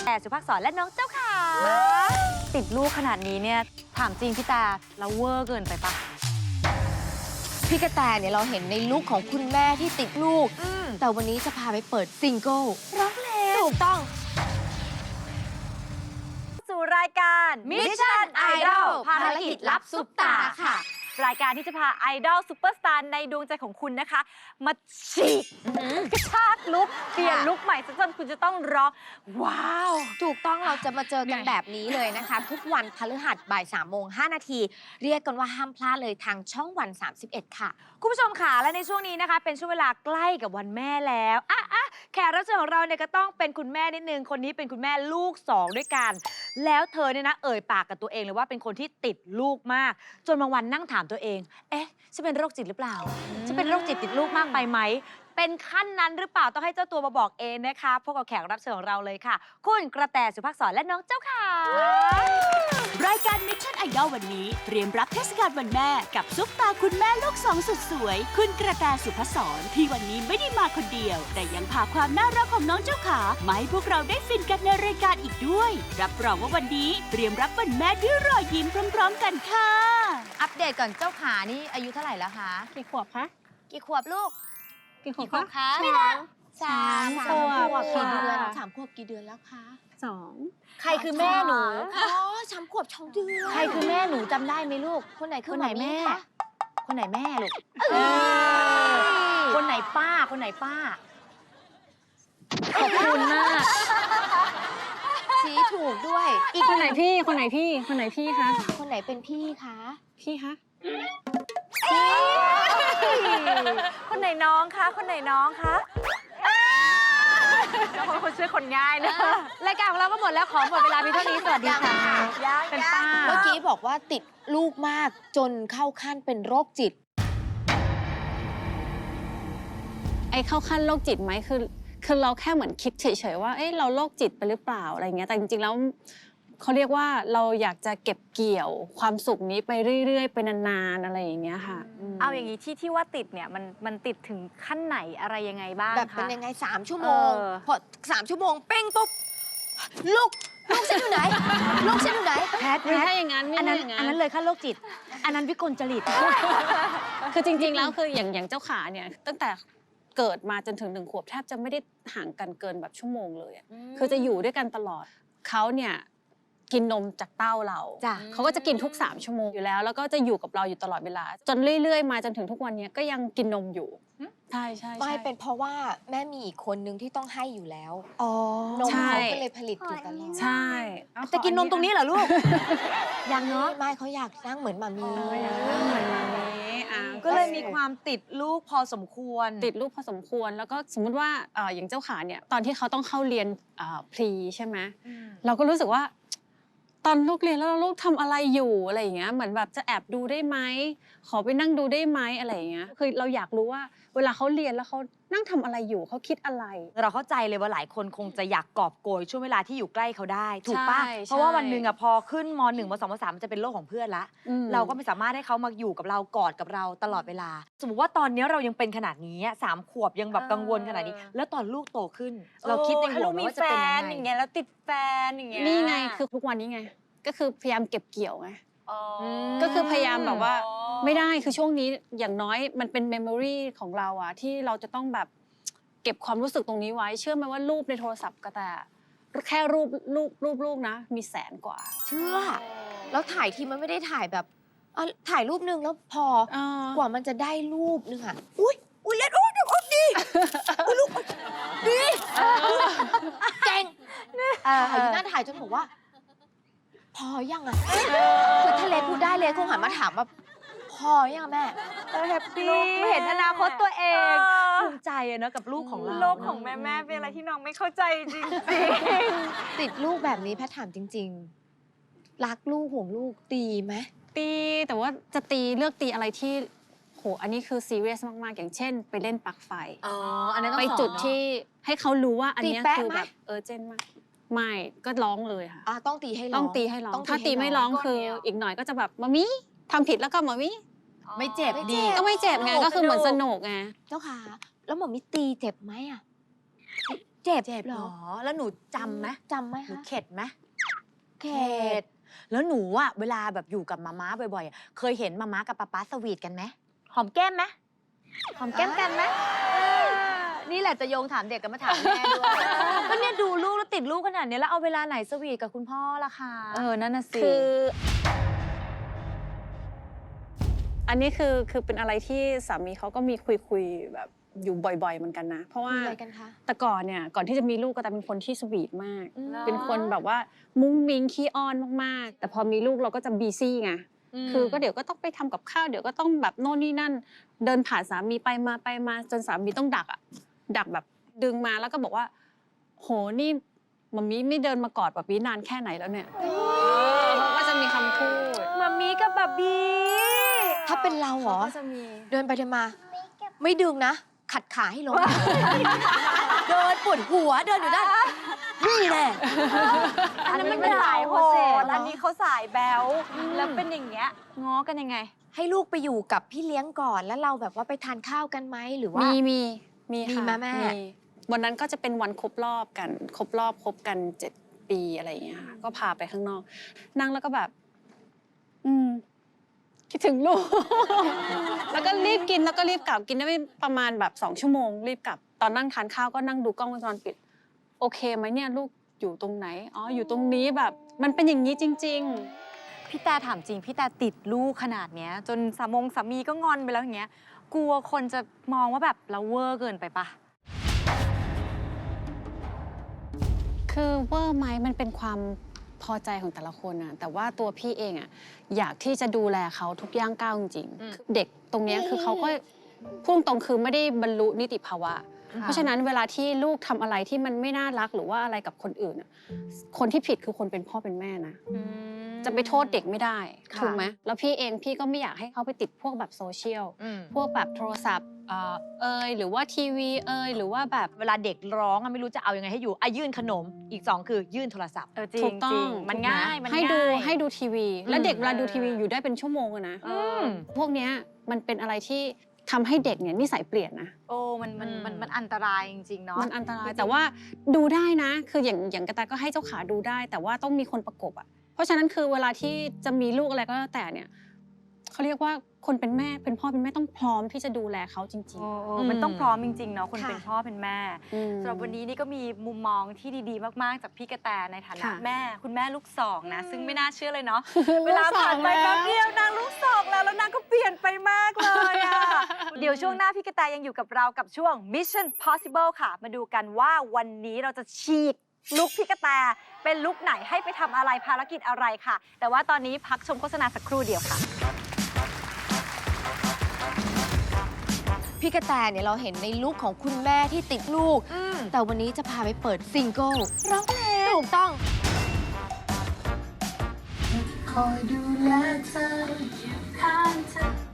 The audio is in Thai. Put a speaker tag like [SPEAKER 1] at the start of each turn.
[SPEAKER 1] แต่สุภักษรและน้องเจ้าขาติดลูกขนาดนี้เนี่ยถามจริงพี่ตาเราเวอร์เกินไปปะ
[SPEAKER 2] พี่กระแตเนี่ยเราเห็นในลุคของคุณแม่ที่ติดลูกแต่วันนี้จะพาไปเปิดซิงเกิล
[SPEAKER 1] ร้องเพลง
[SPEAKER 2] ถูกต้อง
[SPEAKER 1] สู่รายการ
[SPEAKER 2] Mission Idol ภารกิจลับซุปตาค่ะ
[SPEAKER 1] รายการที่จะพาไอดอลซูเปอร์สตาร์ในดวงใจของคุณนะคะมาฉีกกระชากลุคเปลี่ยนลุคใหม่จนคุณจะต้องร้องว้าว
[SPEAKER 2] ถูกต้องเราจะมาเจอกันแบบนี้เลยนะคะ ทุกวันพฤหัสบ่าย3:05 นาทีเรียกกันว่าห้ามพลาดเลยทางช่องวัน 31 ค่ะ
[SPEAKER 1] คุณผู้ชมค่ะและในช่วงนี้นะคะเป็นช่วงเวลาใกล้กับวันแม่แล้วแขกรับเชิญของเราเนี่ยก็ต้องเป็นคุณแม่นิดนึงคนนี้เป็นคุณแม่ลูก2ด้วยกันแล้วเธอเนี่ยนะเอ่ยปากกับตัวเองเลยว่าเป็นคนที่ติดลูกมากจนบางวันนั่งถามตัวเองเอ๊ะฉันเป็นโรคจิตหรือเปล่าฉันเป็นโรคจิตติดลูกมากไปไหมเป็นขั้นนั้นหรือเปล่าต้องให้เจ้าตัวมาบอกเองนะคะพบกับแขกรับเชิญของเราเลยค่ะคุณกระแตสุภักษรและน้องเจ้าขาร
[SPEAKER 3] ายการ Mission Idol วันนี้เตรียมรับเทศกาลวันแม่กับซุปตาคุณแม่ลูก2สุดสวยคุณกระแตสุภักษรที่วันนี้ไม่ได้มาคนเดียวแต่ยังพาความน่ารักของน้องเจ้าขามาให้พวกเราได้ฟินกันในรายการอีกด้วยรับรองว่าวันนี้เตรียมรับวันแม่ด้วยรอยยิ้มพร้อมๆกันค่ะ
[SPEAKER 1] อัปเดตก่อนเจ้าขานี่อายุเท่าไหร่แล้วคะ
[SPEAKER 4] กี่ขวบคะ
[SPEAKER 1] กี่ขวบลูก
[SPEAKER 4] กี่ขวบคะ
[SPEAKER 1] ไม่นะ
[SPEAKER 2] 3 ขวบกี่เดือน3 ขวบกี่เดือนแล้วคะ
[SPEAKER 4] 2
[SPEAKER 1] ใครคือแม่หนู
[SPEAKER 2] อ๋อ3 ขวบ2 เดือน
[SPEAKER 1] ใครคือแม่หนูจำได้ไหมลูก
[SPEAKER 2] คนไหนคือ
[SPEAKER 1] คนไหนแม่คนไหนแม่ลูกคนไหนป้าคนไหนป้าขอบคุณมาก
[SPEAKER 2] ชี้ถูกด้วย
[SPEAKER 4] อีกคนไหนพี่คนไหนพี่คนไหนพี่คะ
[SPEAKER 2] คนไหนเป็นพี่คะ
[SPEAKER 4] พี่คะ
[SPEAKER 1] คนไหนน้องคะคนไหนน้องคะแล้วคนช่วยคนง่ายนะรายการของเราก็หมดแล้วขอหมดเวลาเพียงเท่านี้สวัสดีค่ะเป็นป้า
[SPEAKER 2] เมื่อกี้บอกว่าติดลูกมากจนเข้าขั้นเป็นโรคจิต
[SPEAKER 4] ไอ้เข้าขั้นโรคจิตไหมคือเราแค่เหมือนคิดเฉยๆว่าเอ้ยเราโรคจิตไปหรือเปล่าอะไรเงี้ยแต่จริงๆแล้วเขาเรียกว่าเราอยากจะเก็บเกี่ยวความสุขนี้ไปเรื่อยๆไปนานๆอะไรอย่างเงี้ยค่ะ
[SPEAKER 1] เอาอย่างนี้ที่ว่าติดเนี่ยมันติดถึงขั้นไหนอะไรยังไงบ้าง
[SPEAKER 2] แบบเป็นยังไง3 ชั่วโมงพอ3 ชั่วโมงเป้งปุ๊บลูกฉันอยู่ไหนลูกฉันอยู่ไหน
[SPEAKER 1] แพท
[SPEAKER 4] ไม่ใช่อย่างนั้น
[SPEAKER 1] อันนั้นเลยขั้นโรคจิตอันนั้นวิกลจริต
[SPEAKER 4] คือจริงๆแล้วคืออย่างเจ้าขาเนี่ยตั้งแต่เกิดมาจนถึง1 ขวบแทบจะไม่ได้ห่างกันเกินแบบชั่วโมงเลยคือจะอยู่ด้วยกันตลอดเขาเนี่ยกินนมจากเต้าเราเขาก็จะกินทุก3 ชั่วโมงอยู่แล้วก็จะอยู่กับเราอยู่ตลอดเวลาจนเรื่อยๆมาจนถึงทุกวันนี้ก็ยังกินนมอยู่ใช่
[SPEAKER 2] ไม่เป็นเพราะว่าแม่มีอีกคนนึงที่ต้องให้อยู่แล้วนมเขาก็เลยผลิตอยู่ตลอด
[SPEAKER 4] ใช่
[SPEAKER 1] จะกินนมตรงนี้เหรอลูกยังเนาะ
[SPEAKER 2] ไม่เขาอยากนั่งเหมือนมามี
[SPEAKER 1] ก็เลยมีความติดลูกพอสมควร
[SPEAKER 4] ติดลูกพอสมควรแล้วก็สมมุติว่าอย่างเจ้าขาเนี่ยตอนที่เขาต้องเข้าเรียนพรีใช่ไหมเราก็รู้สึกว่าตอนลูกเรียนแล้วลูกทำอะไรอยู่อะไรอย่างเงี้ยเหมือนแบบจะแอบดูได้ไหมขอไปนั่งดูได้ไหมอะไรอย่างเงี้ยคือเราอยากรู้ว่าเวลาเขาเรียนแล้วเขานั่งทำอะไรอยู่เขาคิดอะไร
[SPEAKER 1] เราเข้าใจเลยว่าหลายคนคงจะอยากกอบโกยช่วงเวลาที่อยู่ใกล้เขาได้ถูกป่ะเพราะว่าวันหนึ่งพอขึ้นม.1 ม.2 ม.3มันจะเป็นโลกของเพื่อนละเราก็ไม่สามารถให้เขามาอยู่กับเรากอดกับเราตลอดเวลาสมมติว่าตอนนี้เรายังเป็นขนาดนี้3 ขวบยังแบบกังวลขนาดนี้แล้วตอนลูกโตขึ้นเราคิดในหัวว่าจะเป็นยังไงอย่างเงี้ยแล้วติดแฟนอย่างเงี้ย
[SPEAKER 4] นี่ไงคือทุกวันนี้ไงก็คือพยายามเก็บเกี่ยวไงก็คือพยายามแบบว่าไม่ได้คือช่วงนี้อย่างน้อยมันเป็นเมมโมรีของเราอะที่เราจะต้องแบบเก็บความรู้สึกตรงนี้ไว้เชื่อไหมว่ารูปในโทรศัพท์ก็แต่แค่รูปนะมี100,000 กว่า
[SPEAKER 2] เชื่อแล้วถ่ายทีมันไม่ได้ถ่ายแบบถ่ายรูปนึงแล้วพอกว่ามันจะได้รูปนึงอะอุ้ยเล่นเดี๋ยวดีลูกดีเก่งอยู่นั่นถ่ายจนบอกว่าพอยังอะคือถ้าเลพูดได้เลคงหันมาถามว่าพอยังแม่
[SPEAKER 1] แฮปปี้เห็นอนาคตตัวเองภูมิใจนะกับลูกของเรา
[SPEAKER 5] โลกของแม่เป็นอะไรที่น้องไม่เข้าใจจริง
[SPEAKER 2] ติดลูกแบบนี้แพทถามจริงๆรักลูกห่วงลูกตีไหม
[SPEAKER 4] ตีแต่ว่าจะตีเลือกตีอะไรที่โหอันนี้คือซีเรียสมากๆอย่างเช่นไปเล่นปลั๊กไฟ
[SPEAKER 1] อันนั้น
[SPEAKER 4] ไปจุดที่ให้เขารู้ว่าอันนี้คือแบบเจนมากไม่ก็ร้องเลยค่ะ
[SPEAKER 2] ต้องตีให้ร้อง
[SPEAKER 4] ต้องตีให้ร้องถ้าตีไม่ร้องคืออีกหน่อยก็จะแบบมามิทำผิดแล้วก็มามิ
[SPEAKER 1] ไม่เจ็บดี
[SPEAKER 4] ก็ไม่เจ็บไงก็คือเหมือนสนุกไง
[SPEAKER 2] เจ้าค่ะแล้วหมอมิตีเจ็บไหมอะเจ็บ
[SPEAKER 1] เจ็บ
[SPEAKER 2] เห
[SPEAKER 1] เห
[SPEAKER 2] ร
[SPEAKER 1] ร
[SPEAKER 2] อ
[SPEAKER 1] อ แล้วหนูจำไหม
[SPEAKER 2] จำไหม
[SPEAKER 1] หนู
[SPEAKER 2] คะ
[SPEAKER 1] เข็ดไหม
[SPEAKER 2] เข็ด
[SPEAKER 1] แล้วหนูอะเวลาแบบอยู่กับมาม่าบ่อยๆอะเคยเห็นมาม่ากับป๊าป๊าสวีทกันไหมหอมแก้มไหมหอมแก้มกันไหมนี่แหละจะโยงถามเด็กกันมาถามแม่ด้วยก็เนี่ยดูลูกแล้วติดลูกขนาดนี้แล้วเอาเวลาไหนสวีทกับคุณพ่อล่ะคะ
[SPEAKER 5] นั่นน่ะสิ
[SPEAKER 4] คือ อันนี้คือเป็นอะไรที่สามีเขาก็มีคุยแบบอยู่บ่อยๆเหมือนกันนะ เพราะว่า
[SPEAKER 2] คุยอะไรกันคะ
[SPEAKER 4] แต่ก่อนเนี่ยก่อนที่จะมีลูกก็แต่เป็นคนที่สวีทมาก
[SPEAKER 2] อืม
[SPEAKER 4] เป็นคนแบบว่ามุ้งมิ้งขี้อ้อนมากๆ แต่พอมีลูกเราก็จะบีซี่ไง คือก็เดี๋ยวก็ต้องไปทำกับข้าวเดี๋ยวก็ต้องแบบโน่นนี่นั่น เดินผ่านสามีไปมาจนสามีต้องดักอะดักแบบดึงมาแล้วก็บอกว่า โหนี่มัมมี่ไม่เดินมากอดแบบนี้นานแค่ไหนแล้วเนี่ยเขาก็จะมีคำพูด
[SPEAKER 1] มามีกับบับบี้
[SPEAKER 2] ถ้าเป็นเราเหรอ
[SPEAKER 5] ก็จะมี
[SPEAKER 2] เดินไปเดินมา ไม่ดึงนะ ขัดขาให้ล้มเดินปวดหัวเดินอยู่ด้านนี่แหละ
[SPEAKER 5] อันนั้นมันสายโหดอันนี้เขาสายแบ๊วแล้วเป็นอย่างเงี้ยง้อกันยังไง
[SPEAKER 2] ให้ลูกไปอยู่กับพี่เลี้ยงก่อนแล้วเราแบบว่าไปทานข้าวกันไหมหรือว่า
[SPEAKER 4] มีค่ะ
[SPEAKER 2] มีไหมแม่
[SPEAKER 4] วันนั้นก็จะเป็นวันครบรอบกันคบกัน 7 ปีอะไรอย่างเงี้ยค่ะก็พาไปข้างนอก นั่งแล้วก็แบบ คิดถึงลูก แล้วก็รีบกินแล้วก็รีบกลับกินได้ไม่ประมาณแบบ2 ชั่วโมงรีบกลับ ตอนนั่งทานข้าวก็นั่งดูกล้องวงจรปิด โอเคไหมเนี่ยลูกอยู่ตรงไหนอ๋ออยู่ตรงนี้แบบมันเป็นอย่างนี้จริง ๆ
[SPEAKER 5] พี่แต่ถามจริงพี่แต่ติดลูกขนาดเนี้ยจนสามีก็งอนไปแล้วอย่างเงี้ยกลัวคนจะมองว่าแบบเราเวอร์เกินไปปะ
[SPEAKER 4] คือเวอร์ไหมมันเป็นความพอใจของแต่ละคนอะแต่ว่าตัวพี่เองอะอยากที่จะดูแลเขาทุกย่างก้าวจริงๆเด็กตรงเนี้ยคือเขาก็พูดตรงคือไม่ได้บรรลุนิติภาวะ เพราะฉะนั้นเวลาที่ลูกทำอะไรที่มันไม่น่ารักหรือว่าอะไรกับคนอื่นอะคนที่ผิดคือคนเป็นพ่อเป็นแม่นะจะไปโทษเด็กไม่ได้
[SPEAKER 1] ค่ะ
[SPEAKER 4] ถูกไหมแล้วพี่เองพี่ก็ไม่อยากให้เขาไปติดพวกแบบโซเชียลพวกแบบโทรศัพท์หรือว่าทีวีหรือว่าแบบ
[SPEAKER 1] เวลาเด็กร้องอะไม่รู้จะเอายังไงให้อยู่ยื่นขนมอีก2คือยื่นโทรศัพท์
[SPEAKER 5] จริง
[SPEAKER 4] ถูกต้อง
[SPEAKER 5] จริงมันง่ายมัน
[SPEAKER 4] ให้
[SPEAKER 5] ง่าย
[SPEAKER 4] ให้ดูทีวี แล้วเด็กเวลาดูทีวีอยู่ได้เป็นชั่วโมงอะนะ
[SPEAKER 1] ม
[SPEAKER 4] พวกเนี้ยมันเป็นอะไรที่ทำให้เด็กเนี่ยนิสัยเปลี่ยนนะ
[SPEAKER 5] โอ้มันอันตรายจริงๆเนาะ
[SPEAKER 4] มันอันตรายแต่ว่าดูได้นะ คืออย่างกระแตก็ให้เจ้าขาดูได้ แต่ว่าต้องมีคนประกบอ่ะเพราะฉะนั้นคือเวลาที่จะมีลูกอะไรก็แล้วแต่เนี่ยเขาเรียกว่าคนเป็นแม่เป็นพ่อเป็นแม่ต้องพร้อมที่จะดูแลเขาจริง
[SPEAKER 5] มันต้องพร้อมจริงๆเนาะคน
[SPEAKER 2] ค่ะ
[SPEAKER 5] เป็นพ่อเป็นแม่
[SPEAKER 4] ๆ
[SPEAKER 5] สำหรับวันนี้นี่ก็มีมุมมองที่ดีๆมากๆจากพี่กระแตในฐานะ
[SPEAKER 4] ค่ะ
[SPEAKER 5] แม่คุณแม่ลูกสองนะซึ่งไม่น่าเชื่อเลยเนาะ
[SPEAKER 4] ลูก
[SPEAKER 5] เวลาผ่านไป
[SPEAKER 4] สองแล้ว
[SPEAKER 5] แป๊บเดียวนางลูกสองแล้วนางก็เปลี่ยนไปมากเลยอะ เดี๋ยวช่วงหน้าพี่กระแตยังอยู่กับเรากับช่วง Mission Possible ค่ะ มาดูกันว่าวันนี้เราจะฉีกลุคพี่กระแตเป็นลุคไหนให้ไปทำอะไรภารกิจอะไรค่ะ แต่ว่าตอนนี้พักชมโฆษณาสักครู่เดียวค่ะ
[SPEAKER 2] พี่กระแตเนี่ยเราเห็นในลุคของคุณแม่ที่ติดลูก แต่วันนี้จะพาไปเปิดซิงเกิลร้องเพลงถูกต้อง
[SPEAKER 6] คอยดูแลเธออยู่ข้างเธอ